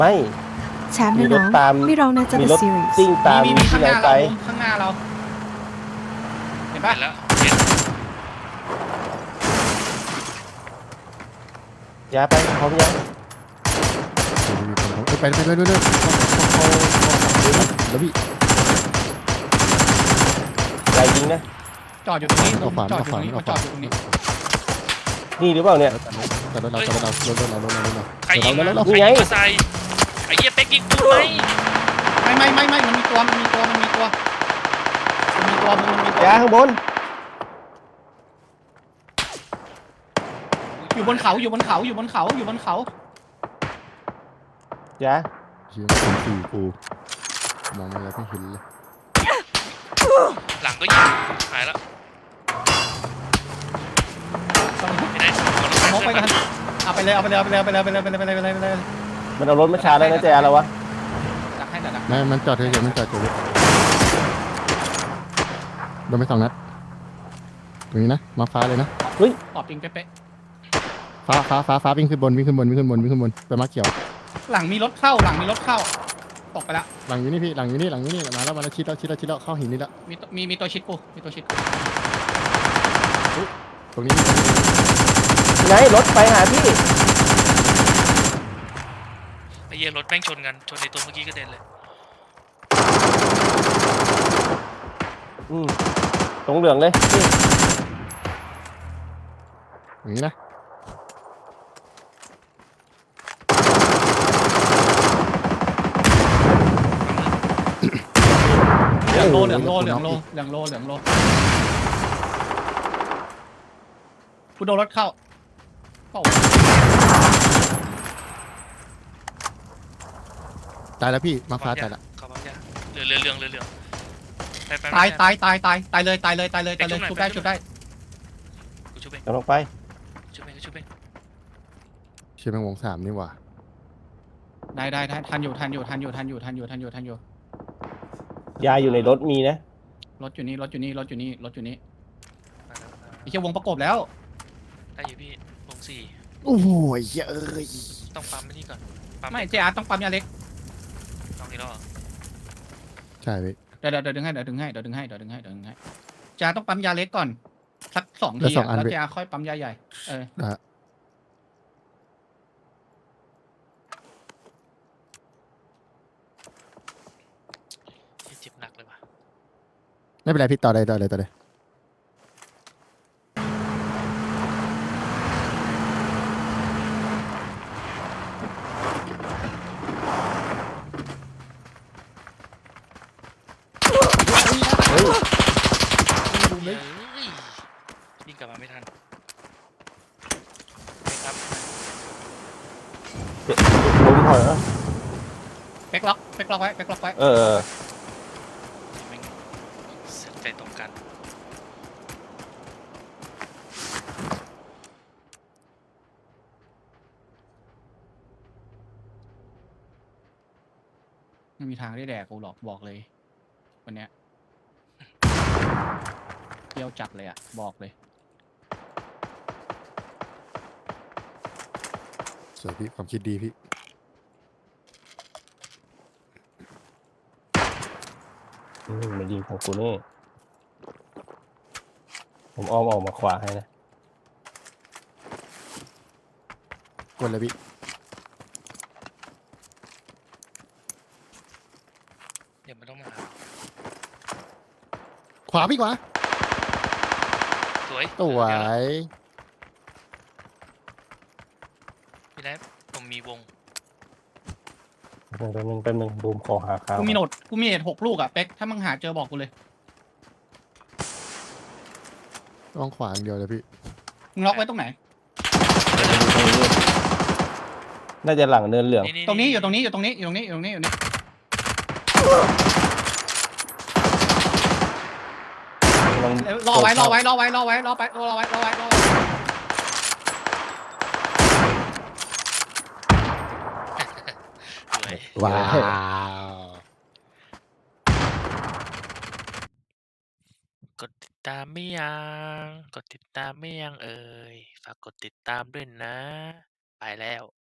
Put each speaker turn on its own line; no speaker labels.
ไม่
แชมป์
มี
นะ
ร
น้
ถ
อง
ตาม
ไม่ร้องนะจะ
มี
The
รถ
Series
ซิ่งตาม
มี
ที่
ข้าง
ไห
ห
น
น้า
ไป
เราข้างหน้าเราเห็นปะ
เห็นแล้วเห็น
ยาไปพร้อมยัง
ไปเรื่อยแล้วพี่
ใจยิงนะ
จอดอยู่ตรงนี้
เอาขวาน
จอดอยู่ตรงนี้
เอา
มัน
ข
จ
วา
อน ดอยู่ตรงนี้
นี่หรือเปล่าเนี่ย
แต่รถเรารถเรา
ใครยิง
เรา
มาใครยิงมาใส่ไอ้เหี้ยเป๊กยิงกูไหม
ไม่มันมีตัว
ยาข้างบน
อยู่บนเขาอยู่บนเขา
ยา
เชี่ยเป็นสี่กูมองอะไรไม่เห็นเลย
หลังก็ยิงหายแล้วไม่ได้
มองไปกันเอาไปเลย
มันเอารถมาชาร์จแล้วนะแจแล้ววะ
ดักให้ดัก
ไม่มันจอดเฉยมันจอดเฉยโดนไป2 นัดตรงนี้นะมาฟ้าเลยนะ
ตอบจริงเป๊ะ
ฟ้าวิ่งขึ้นบนไปมาเขียว
หลังมีรถเข้าตกไปแล้ว
หลังอยู่นี่พี่หลังอยู่นี่มาแล้วชิดแล้วเข้าหินนี่แล้ว
มีตัวชิดกู
ตรงนี้
ไหนรถไปหาพี่
ไอ้เหี้ยรถแม่งชนกันชนในตัวเมื่อกี้ก็เด็นเลย
ตรงเหลืองเลยนี่
อย่างนี้นะ
เหลืองโลกูโดนรถเข้า
ตายแล้วพี่มาฟ้าตายแล้ว
เขาปั๊มยาเรื่องไป
ตายเลยชุบได้
กูชุบเอง
กำลังไป
ชุบเอง
เชี่ยแมงวง3นี่หว่า
ได้ทันอยู่
ยาอยู่ในรถมีนะ
รถอยู่นี่ไอ้เชี่ยวงประกบแล้ว
ได้อยู่พี่วงสี่
โอ้โหเอ้ย
ต้องปั๊มนี่ก่อนปั๊ม
ไม่เจ๊อาร์ต้องปั๊มยาเล็ก
ต้องนี้แล้วเหรอ
ใช่พี่
เดี๋ยวดึงให้เจ๊อาร์ต้องปั๊มยาเล็กก่อนสัก2 ทีแล้วเจ๊อาร์ค่อยปั๊มยาใหญ่
เจ็บหนักเลยว่ะ
ไม่เป็นไรพี่ต่อเลย
เฮ้ย
วิ่งกลับมาไม่ทันครับ
ล้มถอยเหรอ
เป๊กล็อกไว้
เออ
แม่งเสร็จใจตรงกัน
ไม่มีทางได้แดกกูหรอกบอกเลยวันเนี้ยเที่ยวจัดเลยบอกเลย
สวยพี่ความคิดดีพี่
มายิงของกูนี่ผมอ้อมออกมาขวาให้นะ
กดเลยพี่
เดี๋ยวมันต้องมา
ขวาพี่ขวา
สวย
สวย
พี่แล้วผมมีวง
แป๊บนึงบูมขอหาข้าว
กูมีเนต6 ลูกเป๊กถ้ามึงหาเจอบอกกูเลย
ต้องขวาอย่างเดียวเลยพี่
มึงล็อกไว้ตรงไหน
น่าจะหลังเนินเหลือง
ตรงนี้อยู่ตรงนี้ รอไว้
สวย
ว้าว
กดติดตามไม่ยังเอ่ยฝากกดติดตามด้วยนะ ไปแล้ว